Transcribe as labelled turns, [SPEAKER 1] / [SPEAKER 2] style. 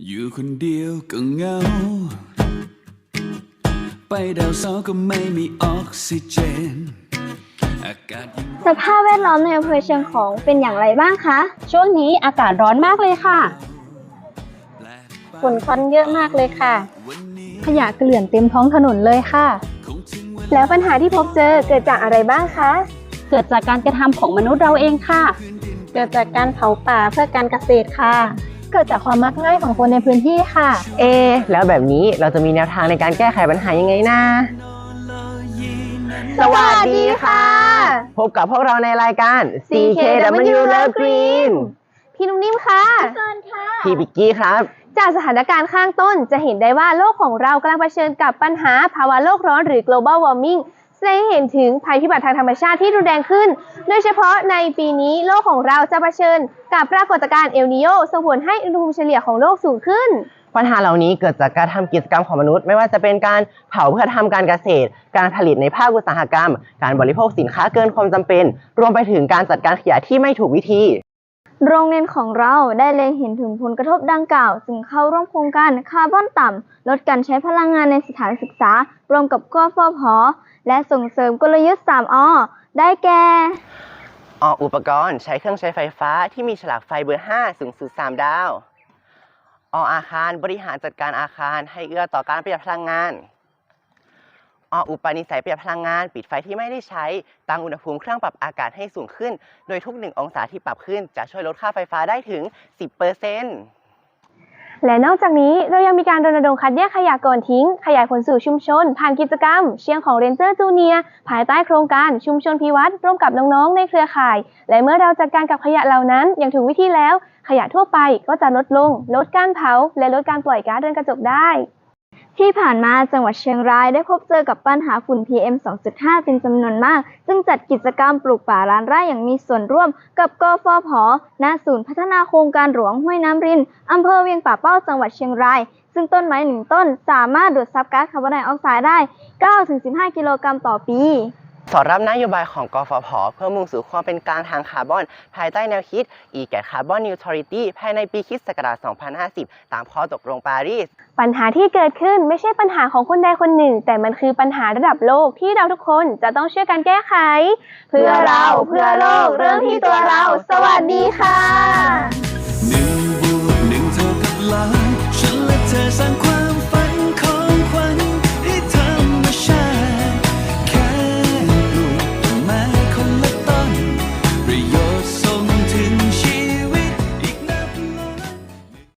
[SPEAKER 1] อยู่คนเดียวก็เหงาไปดาวเสาร์ก็ไม่มีออกซิเจนอากาศยิ่ง
[SPEAKER 2] สภาพแวดล้อมในอำเภอเชียงของเป็นอย่างไรบ้างคะ
[SPEAKER 3] ช่วงนี้อากาศร้อนมากเลยค่ะ
[SPEAKER 2] ฝุ่นควันเยอะมากเลยค่ะ
[SPEAKER 3] ขยะเกลื่อนเต็มท้องถนนเลยค่ะ
[SPEAKER 2] แล้วปัญหาที่พบเจอเกิดจากอะไรบ้างคะ
[SPEAKER 3] เกิดจากการกระทำของมนุษย์เราเองค่ะ
[SPEAKER 2] เกิดจากการเผาป่าเพื่อการเกษตรค่ะ
[SPEAKER 3] เกิดจากความมักง่ายของคนในพื้นที่ค่ะ
[SPEAKER 4] แล้วแบบนี้เราจะมีแนวทางในการแก้ไขปัญหายังไงนะ
[SPEAKER 2] สวัสดีค่ะ
[SPEAKER 4] พบกับพวกเราในรายการ CKW Love Green
[SPEAKER 2] พี่นุ่มนิ่มค่ะพี่เฟิร์นค่ะ
[SPEAKER 4] พี่บิกกี้ครับ
[SPEAKER 2] จากสถานการณ์ข้างต้นจะเห็นได้ว่าโลกของเรากำลังเผชิญกับปัญหาภาวะโลกร้อนหรือ global warming แสดงให้เห็นถึงภัยพิบัติทางธรรมชาติที่รุนแรงขึ้น โดยเฉพาะในปีนี้โลกของเราจะเผชิญกับปรากฏการณ์เอลนีโญส่งผลให้อุณหภูมิเฉลี่ยของโลกสูงขึ้น
[SPEAKER 4] ปัญหาเหล่านี้เกิดจากการทำกิจกรรมของมนุษย์ไม่ว่าจะเป็นการเผาเพื่อทำการเกษตร การผลิตในภาคอุตสาหกรรม การบริโภคสินค้าเกินความจำเป็น รวมไปถึงการจัดการขยะที่ไม่ถูกวิธี
[SPEAKER 2] โรงเรียนของเราได้เล็งเห็นถึงผลกระทบดังกล่าวจึงเข้าร่วมโครงการคาร์บอนต่ำลดการใช้พลังงานในสถานศึกษารวมกับกฟผ.และส่งเสริมกลยุทธ์ 3 อ ได้แก่
[SPEAKER 4] ออกอุปกรณ์ใช้เครื่องใช้ไฟฟ้าที่มีฉลากไฟเบอร์ 5 สูงสุด 3 ดาว ออาคารบริหารจัดการอาคารให้เอื้อต่อการประหยัดพลังงาน อุปนิสัยประหยัดพลังงานปิดไฟที่ไม่ได้ใช้ตั้งอุณหภูมิเครื่องปรับอากาศให้สูงขึ้น โดยทุก 1 องศาที่ปรับขึ้นจะช่วยลดค่าไฟฟ้าได้ถึง 10%
[SPEAKER 2] และนอกจากนี้เรายังมีการรณรงค์คัดแยกขยะก่อนทิ้งขยายผลสู่ชุมชนผ่านกิจกรรมเชียงของเรนเจอร์จูเนียร์ภายใต้โครงการชุมชนพิวัตรร่วมกับน้องๆในเครือข่ายและเมื่อเราจัดการกับขยะเหล่านั้นอย่างถูกวิธีแล้วขยะทั่วไปก็จะลดลงลดการเผาและลดการปล่อยก๊าซเรือนกระจกได้ที่ผ่านมาจังหวัดเชียงรายได้พบเจอกับปัญหาฝุ่น PM 2.5 เป็นจำนวนมากจึงจัดกิจกรรมปลูกป่าล้านไร่อย่างมีส่วนร่วมกับกฟผ.ณ ศูนย์พัฒนาโครงการหลวงห้วยน้ำรินอำเภอเวียงป่าเป้าจังหวัดเชียงรายซึ่งต้นไม้1 ต้นสามารถดูดซับก๊าซคาร์บอนไดออกไซด์ได้ 9-15 กิโลกรัมต่อปี
[SPEAKER 4] สอดรับนโยบายของกฟผ.เพื่อมุ่งสู่ความเป็นกลางทางคาร์บอนภายใต้แนวคิด E-Gas Carbon Neutrality ภายในปีค.ศ. 2050 ตามข้อตกลงปารีส
[SPEAKER 2] ปัญหาที่เกิดขึ้นไม่ใช่ปัญหาของคนใดคนหนึ่งแต่มันคือปัญหาระดับโลกที่เราทุกคนจะต้องช่วยกันแก้ไขเพื่อเราเพื่อโลกเริ่มที่ตัวเราสวัสดีค่ะ